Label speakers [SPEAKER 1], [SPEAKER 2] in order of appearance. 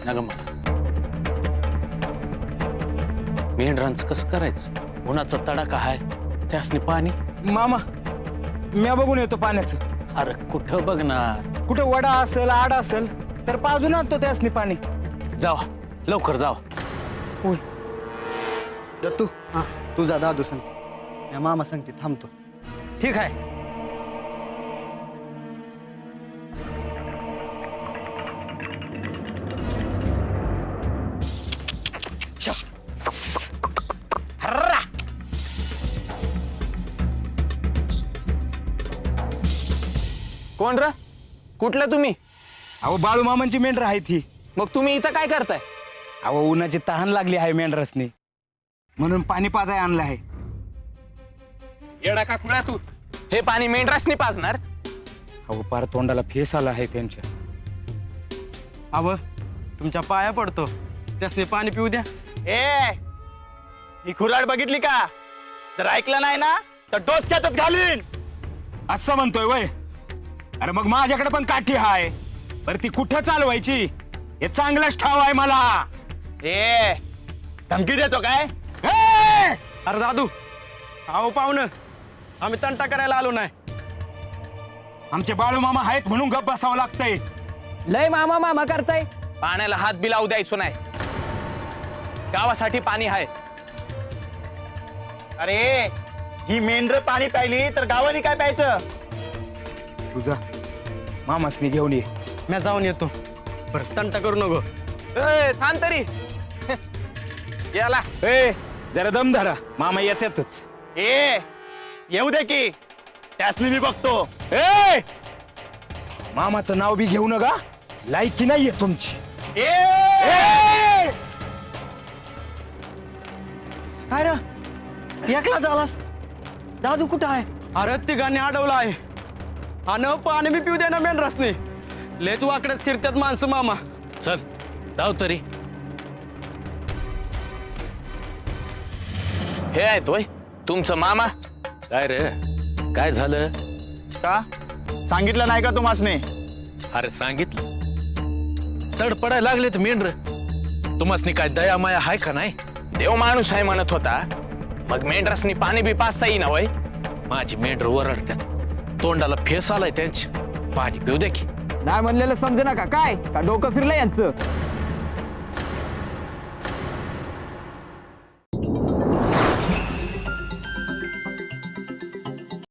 [SPEAKER 1] नग मग मेंढरांचं कसं करायचं? उन्हाचा तडाखा हाय, त्यासनी पाणी.
[SPEAKER 2] मामा म्या बघून येतो पाण्याचं.
[SPEAKER 1] अरे कुठं बघणार?
[SPEAKER 2] कुठे वडा असेल आड असेल तर पाजून आणतो त्यासनी पाणी.
[SPEAKER 1] जावा लवकर जावा.
[SPEAKER 2] होय.
[SPEAKER 3] दत्तू तू जा दादू सांगते, या मामा सांगते थांबतो.
[SPEAKER 2] ठीक आहे.
[SPEAKER 1] कोण र? कुठलं तुम्ही?
[SPEAKER 2] अहो बाळू मामांची मेंढर आहे ती.
[SPEAKER 1] मग तुम्ही इथं काय करताय?
[SPEAKER 2] अहो उन्हाची तहान लागली आहे मेंढरसनी, म्हणून पाणी पाजाय आणलं आहे.
[SPEAKER 1] येडा का खुळा तू? हे पाणी मेंढरासनी पाजणार?
[SPEAKER 2] अहो पार तोंडाला फेस आला आहे त्यांच्या.
[SPEAKER 3] अव तुमच्या पाया पडतो, त्यासने पाणी पिऊ द्या.
[SPEAKER 4] ए ही खुराड बघितली का? जर ऐकलं नाही ना तर डोसक्यातच घालीन.
[SPEAKER 2] असं म्हणतोय वय? अरे मग माझ्याकडे पण काठी हाय, बरं ती कुठं चालवायची हे चांगलंच ठाव आहे मला.
[SPEAKER 4] ए धमकी देतो काय?
[SPEAKER 2] ए!
[SPEAKER 3] अरे दादू अहो पाहुणं, आम्ही तंटा करायला आलो नाही.
[SPEAKER 2] आमचे बाळू मामा आहेत म्हणून गप्प बसावं लागतंय.
[SPEAKER 1] लय मामा मामा करताय. पाण्याला हात बी लावू द्यायचो नाही. गावासाठी पाणी आहे.
[SPEAKER 4] अरे ही मेंढर पाणी प्यायली तर गावाने काय प्यायचं?
[SPEAKER 2] तुझा मामासनी घेऊन ये.
[SPEAKER 3] मी जाऊन येतो, बरं तंटा करू नको.
[SPEAKER 1] ए, थांब तरी. याला
[SPEAKER 2] ए जरा दम धरा, मामा येतातच.
[SPEAKER 4] ए येऊ दे की, त्यासनी मी बघतो.
[SPEAKER 2] ए मामाचं नाव बी घेऊ नका, लायकी नाहीये तुमची.
[SPEAKER 4] ए
[SPEAKER 2] ए!
[SPEAKER 3] काय रे एकला झालास? दादू कुठं आहे? अरे तिघांनी अडवलं आहे, आणि पाणी बी पिऊ दे ना मेंढरासने. लेच वाकड्यात शिरत्यात माणसं मामा.
[SPEAKER 1] चल जाऊ तरी. हे आहेत होय तुमचं मामा? काय रे काय झालं?
[SPEAKER 4] का सांगितलं नाही का तुम्हासने?
[SPEAKER 1] अरे सांगितलं. तडपडायला लागले तर मेंढर. तुम्हासनी काय दया माया हाय का नाही? देव माणूस आहे म्हणत होता, मग मेंढरासनी पाणी बी पाचता येईना वय? माझी मेंढर ओरडत्यात, तोंडाला फेस आलाय त्यांची. पाणी पिऊ दे की.
[SPEAKER 5] नाही म्हणलेलं समजे ना का काय? का डोकं फिरलं यांचं?